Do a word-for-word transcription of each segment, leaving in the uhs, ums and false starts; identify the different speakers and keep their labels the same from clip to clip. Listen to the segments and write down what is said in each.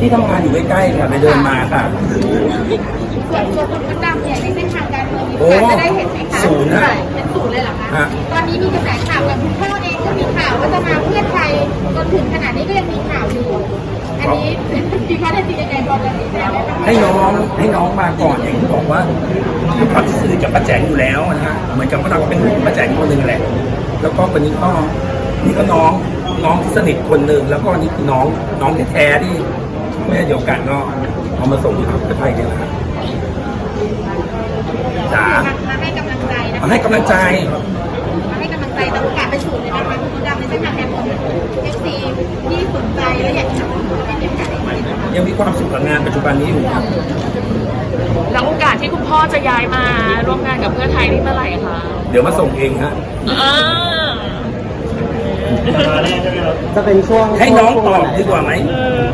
Speaker 1: ที่ทำงานอยู่ใกล้ๆค่ะไปเดินมาค่ะ
Speaker 2: ส่วนตัวคุณดำเนี่ยในเส้นทางการเมืองมี
Speaker 1: โอ้
Speaker 2: โอกาสจะได้เห็นไหมคะ
Speaker 1: ศูนย์ฮะ
Speaker 2: เป็นศูนย์เลยเหรอคะ
Speaker 1: ฮะ
Speaker 2: ตอนนี้มีกระแสข่าวกับคุณพ่อเองก็มีข่าวว่าจะมาเพื่อไทยจนถึงขนาดนี้ก็ยังมีข่าวอยู่ อันนี้พี่คะได้จริงยังไงบอกกันดีแน่ไหมคะ
Speaker 1: ให้น้องให้น้องมาก่อนอย่างที่บอกว่าด้วยความที่สนิทกับป้าแจงอยู่แล้วนะฮะเหมือนกับว่าเราก็เป็นป้าแจงคนหนึ่งแหละแล้วก็วันนี้ก็นี่ก็น้องน้องที่สนิทคนหนึ่งแล้วก็นี่คือน้องน้องแท้ๆที่แม่เดียวกันก็เอามาส่งที่พักเพื่อไทยเนี่ยแหละครับจ๋า
Speaker 2: มาให้กำลังใจนะ
Speaker 1: มาให้กำลังใจ
Speaker 2: มาให้กำลังใจแต่โอกาสไปศูนย์เลยนะคะคุณดำในเส้นทางการเมืองเอฟซีที่สนใจและอยากจะเป็นยังไง
Speaker 1: ยังมีความสุขกับงานปัจจุบันนี้อยู่ครับ
Speaker 3: แล้วโอกาสที่คุณพ่อจะย้ายมาร่วมงานกับเพื่อไทยนี่เมื่อไหร่คะ
Speaker 1: เดี๋ยวมาส่งเองฮะ
Speaker 3: อ่า
Speaker 4: จะเป็นช่วง
Speaker 1: ให้น้องตอบดีกว่าไหม
Speaker 3: เออ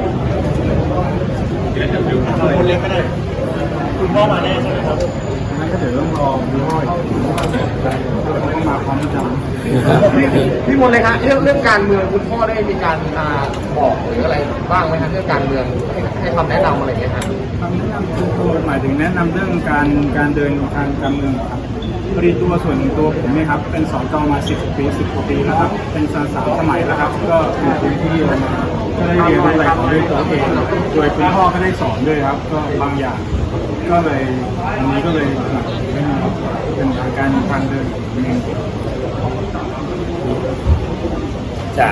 Speaker 5: คนเล็กก็ได้คุณพ่อมาแน่ใช่ไหมครับ
Speaker 4: นั่นก็เดี๋ยวต้องรอดูห้อยต้องมาพร้อมกันพี่มนต์เลยครับเรื่องเรื่องการเมืองคุณพ่อได้มีการอ่าบอกหรืออะไรบ้างไหมครับเรื่องการเมืองให้ให้คำแนะนำอะไรอย่างเงี้ยครับ
Speaker 6: คำแนะนำคือหมายถึงแนะนำเรื่องการการเดินทางการเมืองเหรอครับพอดีตัวส่วนตัวผมเนี่ยครับเป็นสจมาสิบปีสิบกว่าปีแล้วครับเป็นสสามสมัยแล้วครับก็อยู่พื้นที่มาก็ได้เรียนรู้อะไรของด้วยตัวเองโดยคุณพ่อก็ได้สอนด้วยครับ ก็บางอย่างก็เลยอันนี้ก็เลยเป็นการทางเดินของผมเอง
Speaker 1: จ๋า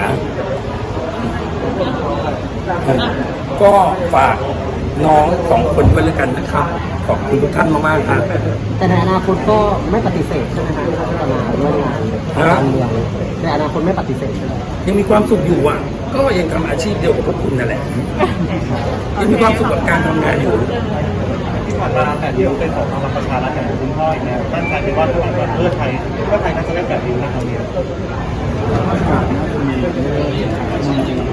Speaker 1: ก็ฝากน้องสองคนไว้แล้วกันนะครับ ขอบคุณทุกท่านมากๆครับ
Speaker 4: แต่ในอนาคตก็ไม่ปฏิเสธใช่ไหมครับที่จะมาร่วมงานการเมืองในอนาคตไม่ปฏิเสธใช่ไหม
Speaker 1: ยังมีความสุขอยู่อ่ะ ก็ยังทำอาชีพเดียวกับพวกคุณนั่นแหละ ยังมีความสุขกับการทำงานอยู่
Speaker 5: ที่ผ่านมาแต่เดียวเป็นของพลังประชารัฐอย่างคุณพ่ออีกแล้วตั้งใจเป็นว่าถ้าหากเพื่อไทยเพื่อไทยน่าจะได้แบบเดียวนะครับเนี่ย
Speaker 6: อากาศน่าจะมีจริง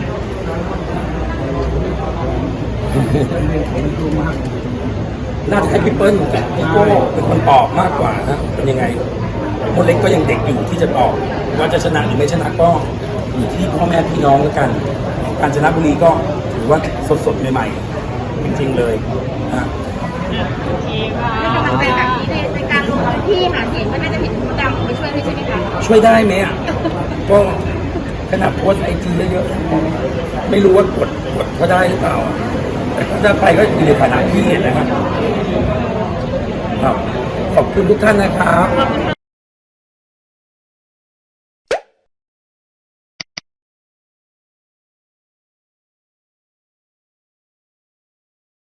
Speaker 1: น่าจะให้พี่เปิ้ลกับพี่โก้เป็นคนตอบมากกว่านะเป็นยังไงคนเล็กก็ยังเด็กอยู่ที่จะตอบว่าจะชนะหรือไม่ชนะก็อยู่ที่พ่อแม่พี่น้องแล้วกัน การชนะบุรีก็ถือว่าสดๆใหม่ๆจริงๆเลยนะ
Speaker 3: โอเคค่ะ
Speaker 2: กำลังใจแบบนี้ในในการลงพื้นที่หาเสียงก็น่าจะเห็นคุณดำไปช่วยด้วยใช่ไหมคะ
Speaker 1: ช่วยได้ไหมอ่ะก็ขนาดโพสไอจีเยอะๆไม่รู้ว่ากดกดเขาได้หรือเปล่าแต่ถ้าไปก็อยู่ในฐานะพี่นะครับครับขอบคุณทุกท่านนะครับ
Speaker 3: ขอบคุณค่ะ